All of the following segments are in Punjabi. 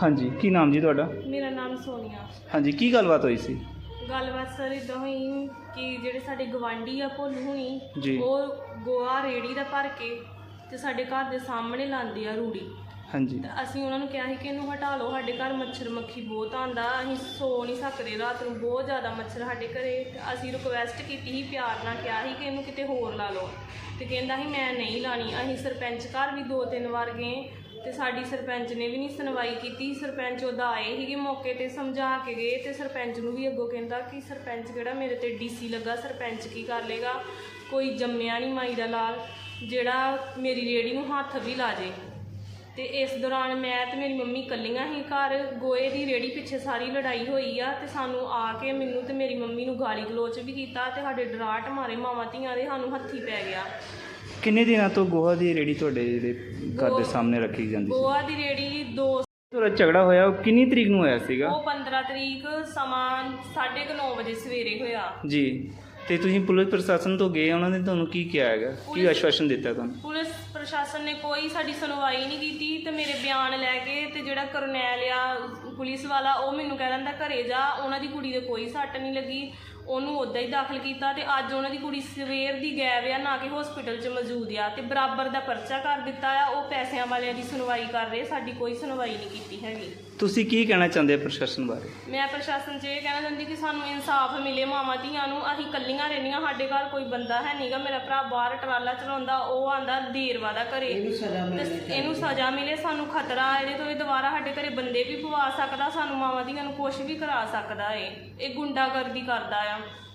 ਹਾਂਜੀ, ਕੀ ਨਾਮ ਜੀ ਤੁਹਾਡਾ? ਮੇਰਾ ਨਾਮ ਸੋਨੀਆ। ਹਾਂਜੀ, ਕੀ ਗੱਲਬਾਤ ਹੋਈ ਸੀ? ਗੱਲਬਾਤ ਸਰ ਇੱਦਾਂ ਹੋਈ ਕਿ ਜਿਹੜੇ ਸਾਡੇ ਗਵਾਂਢੀ ਆ ਭੋਲੂ ਹੁਣੀ, ਜੀ। ਉਹ ਗੋਹਾ ਰੇਹੜੀ ਦਾ ਭਰ ਕੇ ਤੇ ਸਾਡੇ ਘਰ ਦੇ ਸਾਹਮਣੇ ਲਾਉਂਦੇ ਆ ਰੂੜੀ। ਹਾਂਜੀ। ਤੇ ਅਸੀਂ ਉਹਨਾਂ ਨੂੰ ਕਿਹਾ ਸੀ ਕਿ ਇਹਨੂੰ ਹਟਾ ਲਓ, ਸਾਡੇ ਘਰ ਮੱਛਰ ਮੱਖੀ ਬਹੁਤ ਆਉਂਦਾ, ਅਸੀਂ ਸੋ ਨਹੀਂ ਸਕਦੇ ਰਾਤ ਨੂੰ, ਬਹੁਤ ਜ਼ਿਆਦਾ ਮੱਛਰ ਸਾਡੇ ਘਰੇ। ਤੇ ਅਸੀਂ ਰਿਕੁਐਸਟ ਕੀਤੀ ਸੀ, ਪਿਆਰ ਨਾਲ ਕਿਹਾ ਸੀ ਕਿ ਇਹਨੂੰ ਕਿਤੇ ਹੋਰ ਲਾ ਲਓ, ਤੇ ਕਹਿੰਦਾ ਸੀ ਮੈਂ ਨਹੀਂ ਲਾਣੀ। ਅਸੀਂ ਸਰਪੰਚ ਘਰ ਵੀ 2-3 ਵਾਰ ਗਏ ਤੇ ਸਾਡੀ ਸਰਪੰਚ ਨੇ ਵੀ ਨਹੀਂ ਸੁਣਵਾਈ ਕੀਤੀ। ਸਰਪੰਚ ਉਹਦਾ ਆਏ ਸੀਗੇ ਮੌਕੇ ਤੇ, ਸਮਝਾ ਕੇ ਗਏ, ਤੇ ਸਰਪੰਚ ਨੂੰ ਵੀ ਅੱਗੋਂ ਕਹਿੰਦਾ ਕਿ ਸਰਪੰਚ ਕਿਹੜਾ ਮੇਰੇ ਤੇ ਡੀਸੀ ਲੱਗਾ, ਸਰਪੰਚ ਕੀ ਕਰ ਲੇਗਾ, ਕੋਈ ਜੰਮਿਆ ਨਹੀਂ ਮਾਈ ਦਾ ਲਾਲ ਜਿਹੜਾ ਮੇਰੀ ਰੇਹੜੀ ਨੂੰ ਹੱਥ ਵੀ ਲਾ ਜੇ। ਤੇ ਇਸ ਦੌਰਾਨ ਮੈਂ ਤੇ ਮੇਰੀ ਮੰਮੀ ਇਕੱਲੀਆਂ ਹੀ ਘਰ, ਗੋਹੇ ਦੀ ਰੇਹੜੀ ਪਿੱਛੇ ਸਾਰੀ ਲੜਾਈ ਹੋਈ ਆ। ਤੇ ਸਾਨੂੰ ਆ ਕੇ ਮੈਨੂੰ ਤੇ ਮੇਰੀ ਮੰਮੀ ਨੂੰ ਗਾਲੀ ਗਲੋਚ ਵੀ ਕੀਤਾ ਤੇ ਸਾਡੇ ਡਰਾਟ ਮਾਰੇ ਮਾਵਾਂ ਧੀਆਂ ਦੇ, ਸਾਨੂੰ ਹੱਥੀ ਪੈ ਗਿਆ। ਕਿੰਨੇ ਦਿਨਾਂ ਤੋਂ ਗੋਹਾ ਦੀ ਰੇਹੜੀ ਤੁਹਾਡੇ ਜਿਹੜੇ ਘਰ ਦੇ ਸਾਹਮਣੇ ਰੱਖੀ ਜਾਂਦੀ ਸੀ? ਗੋਹਾ ਦੀ ਰੇਹੜੀ ਤੁਹਾਡਾ ਝਗੜਾ ਹੋਇਆ ਉਹ ਕਿੰਨੀ ਤਰੀਕ ਨੂੰ ਹੋਇਆ ਸੀਗਾ? ਉਹ 15 ਤਰੀਕ ਸਮਾਂ 9:30 ਵਜੇ ਸਵੇਰੇ ਹੋਇਆ ਜੀ। ਤੇ ਤੁਸੀਂ ਪੁਲਿਸ ਪ੍ਰਸ਼ਾਸਨ ਤੋਂ ਗਏ, ਉਹਨਾਂ ਨੇ ਤੁਹਾਨੂੰ ਕੀ ਕਿਹਾ ਹੈਗਾ, ਕੀ ਆਸ਼ਵਾਸਨ ਦਿੱਤਾ ਤੁਹਾਨੂੰ? ਪੁਲਿਸ ਪ੍ਰਸ਼ਾਸਨ ਨੇ ਕੋਈ ਸਾਡੀ ਸੁਣਵਾਈ ਨਹੀਂ ਕੀਤੀ। ਤੇ ਮੇਰੇ ਬਿਆਨ ਲੈ ਕੇ ਤੇ ਜਿਹੜਾ ਕਰਨੈਲ ਆ ਪੁਲਿਸ ਵਾਲਾ, ਉਹ ਮੈਨੂੰ ਕਹਿ ਦਿੰਦਾ ਘਰੇ ਜਾ, ਉਹਨਾਂ ਦੀ ਕੁੜੀ ਦੇ ਕੋਈ ਸੱਟ ਨਹੀਂ ਲੱਗੀ, ਉਹਨੂੰ ਉੱਦਾਂ ਹੀ ਦਾਖਲ ਕੀਤਾ। ਤੇ ਅੱਜ ਉਹਨਾਂ ਦੀ ਕੁੜੀ ਸਵੇਰ ਦੀ ਗਾਇਬ ਆ, ਨਾ ਕਿ ਹਸਪੀਟਲ 'ਚ ਮੌਜੂਦ ਆ, ਤੇ ਬਰਾਬਰ ਦਾ ਪਰਚਾ ਕਰ ਦਿੱਤਾ ਆ। ਉਹ ਪੈਸਿਆਂ ਵਾਲਿਆਂ ਦੀ ਸੁਣਵਾਈ ਕਰ ਰਹੇ, ਸਾਡੀ ਕੋਈ ਸੁਣਵਾਈ ਨਹੀਂ ਕੀਤੀ ਹੈਗੀ। ਤੁਸੀਂ ਕੀ ਕਹਿਣਾ ਚਾਹੁੰਦੇ ਪ੍ਰਸ਼ਾਸਨ ਬਾਰੇ? ਮੈਂ ਪ੍ਰਸ਼ਾਸਨ 'ਚ ਇਹ ਕਹਿਣਾ ਚਾਹੁੰਦੀ ਕਿ ਸਾਨੂੰ ਇਨਸਾਫ ਮਿਲੇ ਮਾਵਾਂ ਧੀਆਂ ਨੂੰ। ਅਸੀਂ ਇਕੱਲੀਆਂ ਰਹਿੰਦੀਆਂ, ਸਾਡੇ ਘਰ ਕੋਈ ਬੰਦਾ ਹੈ ਨਹੀਂਗਾ। ਮੇਰਾ ਭਰਾ ਬਾਹਰ ਟਰਾਲਾ ਚਲਾਉਂਦਾ, ਉਹ ਆਂਦਾ ਦੇਰਵਾ ਦਾ ਘਰੇ, ਇਹਨੂੰ ਸਜ਼ਾ ਮਿਲੇ। ਸਾਨੂੰ ਖਤਰਾ ਇਹਦੇ ਤੋਂ, ਇਹ ਦੁਬਾਰਾ ਸਾਡੇ ਘਰੇ ਬੰਦੇ ਵੀ ਪਵਾ ਸਕਦਾ, ਸਾਨੂੰ ਮਾਵਾਂ ਧੀਆਂ ਨੂੰ ਕੁਛ ਵੀ ਕਰਾ ਸਕਦਾ ਇਹ ਗੁੰਡਾਗਰਦੀ ਕਰਦਾ ਆ।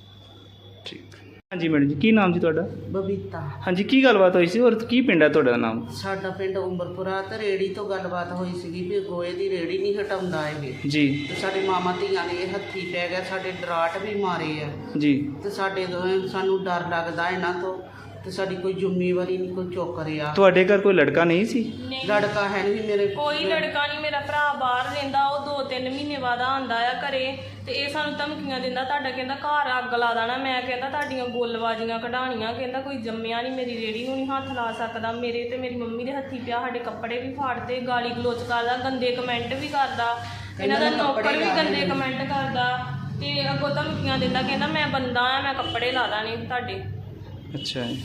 ਠੀਕ। ਹਾਂਜੀ ਮੈਡਮ ਜੀ, ਕੀ ਨਾਮ ਜੀ ਤੁਹਾਡਾ? ਬਬੀਤਾ। ਹਾਂਜੀ, ਕੀ ਗੱਲਬਾਤ ਹੋਈ ਸੀ ਔਰ ਕੀ ਪਿੰਡ ਹੈ ਤੁਹਾਡਾ ਨਾਮ? ਸਾਡਾ ਪਿੰਡ ਉਮਰਪੁਰਾ। ਤੇ ਰੇੜੀ ਤੋਂ ਗੱਲਬਾਤ ਹੋਈ ਸੀਗੀ ਵੀ ਗੋਹੇ ਦੀ ਰੇੜੀ ਨਹੀਂ ਹਟਾਉਂਦਾ ਇਹ ਜੀ। ਤੇ ਸਾਡੇ ਮਾਮਾ ਧੀਆਂ ਨੇ ਹੱਥੀ ਪੈ ਗਿਆ, ਸਾਡੇ ਡਰਾਟ ਵੀ ਮਾਰੇ ਆ ਜੀ। ਤੇ ਸਾਨੂੰ ਡਰ ਲੱਗਦਾ ਇਹਨਾਂ ਤੋਂ, ਤੇ ਸਾਡੀ ਕੋਈ ਜ਼ਿੰਮੇਵਾਰੀ ਨਹੀਂ ਕੋਈ ਚੁੱਕ ਰਿਹਾ। ਤੁਹਾਡੇ ਘਰ ਕੋਈ ਲੜਕਾ ਨਹੀਂ ਸੀ? ਲੜਕਾ ਹੈ ਨਹੀਂ ਮੇਰੇ, ਕੋਈ ਲੜਕਾ ਨਹੀਂ। ਮੇਰਾ ਭਰਾ ਬਾਹਰ ਰਹਿੰਦਾ, ਉਹ 2-3 ਮਹੀਨੇ ਬਾਅਦ ਆਉਂਦਾ ਆ ਘਰੇ, ਤੇ ਇਹ ਸਾਨੂੰ ਧਮਕੀਆਂ ਦਿੰਦਾ, ਤੁਹਾਡਾ ਕਹਿੰਦਾ ਘਰ ਅੱਗ ਲਾ ਦੇਣਾ। ਮੈਂ ਕਹਿੰਦਾ ਤੁਹਾਡੀਆਂ ਗੋਲਬਾਜ਼ੀਆਂ ਕਢਾਣੀਆਂ, ਕਹਿੰਦਾ ਕੋਈ ਜੰਮਿਆ ਨਹੀਂ, ਮੇਰੀ ਰੇਹੜੀ ਨੂੰ ਨਹੀਂ ਹੱਥ ਲਾ ਸਕਦਾ। ਮੇਰੇ ਤੇ ਮੇਰੀ ਮੰਮੀ ਦੇ ਹੱਥੀ ਪਿਆ, ਸਾਡੇ ਕੱਪੜੇ ਵੀ ਫਾੜਦੇ, ਗਾਲੀ ਗਲੋਚ ਕਰਦਾ, ਗੰਦੇ ਕਮੈਂਟ ਵੀ ਕਰਦਾ, ਇਹਨਾਂ ਦਾ ਨੌਕਰ ਵੀ ਗੰਦੇ ਕਮੈਂਟ ਕਰਦਾ, ਤੇ ਅੱਗੋਂ ਧਮਕੀਆਂ ਦਿੰਦਾ, ਕਹਿੰਦਾ ਮੈਂ ਬੰਦਾ ਆ, ਮੈਂ ਕੱਪੜੇ ਲਾ ਦੇਣੇ ਤੁਹਾਡੇ। ਅੱਛਾ ਜੀ।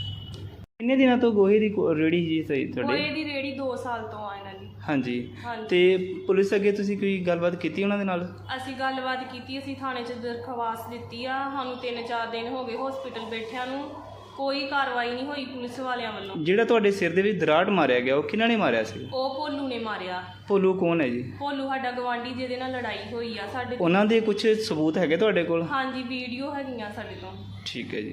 ਕਿੰਨੇ ਦਿਨਾਂ ਤੋਂ ਗੋਹੇ ਦੀ ਰੇਹੜੀ ਜੀ ਸਹੀ ਤੁਹਾਡੇ? ਗੋਹੇ ਦੀ ਰੇਹੜੀ 2 ਸਾਲ ਤੋਂ ਆ ਇਹਨਾਂ ਦੀ। ਹਾਂਜੀ। ਹਾਂਜੀ। ਤੇ ਪੁਲਿਸ ਅੱਗੇ ਤੁਸੀਂ ਕੋਈ ਗੱਲਬਾਤ ਕੀਤੀ ਉਹਨਾਂ ਦੇ ਨਾਲ? ਅਸੀਂ ਗੱਲਬਾਤ ਕੀਤੀ, ਅਸੀਂ ਥਾਣੇ 'ਚ ਦਰਖਾਸਤ ਦਿੱਤੀ ਆ। ਸਾਨੂੰ 3-4 ਦਿਨ ਹੋ ਗਏ ਹਸਪੀਟਲ ਬੈਠਿਆਂ ਨੂੰ, ਕੋਈ ਕਾਰਵਾਈ ਨਹੀਂ ਹੋਈ ਪੁਲਿਸ ਵਾਲਿਆਂ ਵੱਲੋਂ। ਜਿਹੜਾ ਤੁਹਾਡੇ ਸਿਰ ਦੇ ਵਿੱਚ ਦਰਾੜ ਮਾਰਿਆ ਗਿਆ, ਉਹ ਕਿਹਨਾਂ ਨੇ ਮਾਰਿਆ ਸੀ? ਉਹ ਭੋਲੂ ਨੇ ਮਾਰਿਆ। ਭੋਲੂ ਕੌਣ ਹੈ ਜੀ? ਭੋਲੂ ਸਾਡਾ ਗਵਾਂਢੀ ਜਿਹਦੇ ਨਾਲ ਲੜਾਈ ਹੋਈ ਆ ਸਾਡੇ। ਉਹਨਾਂ ਦੇ ਕੁਝ ਸਬੂਤ ਹੈਗੇ ਤੁਹਾਡੇ ਕੋਲ? ਹਾਂਜੀ, ਵੀਡੀਓ ਹੈਗੀਆਂ ਸਾਡੇ ਤੋਂ। ਠੀਕ ਹੈ ਜੀ।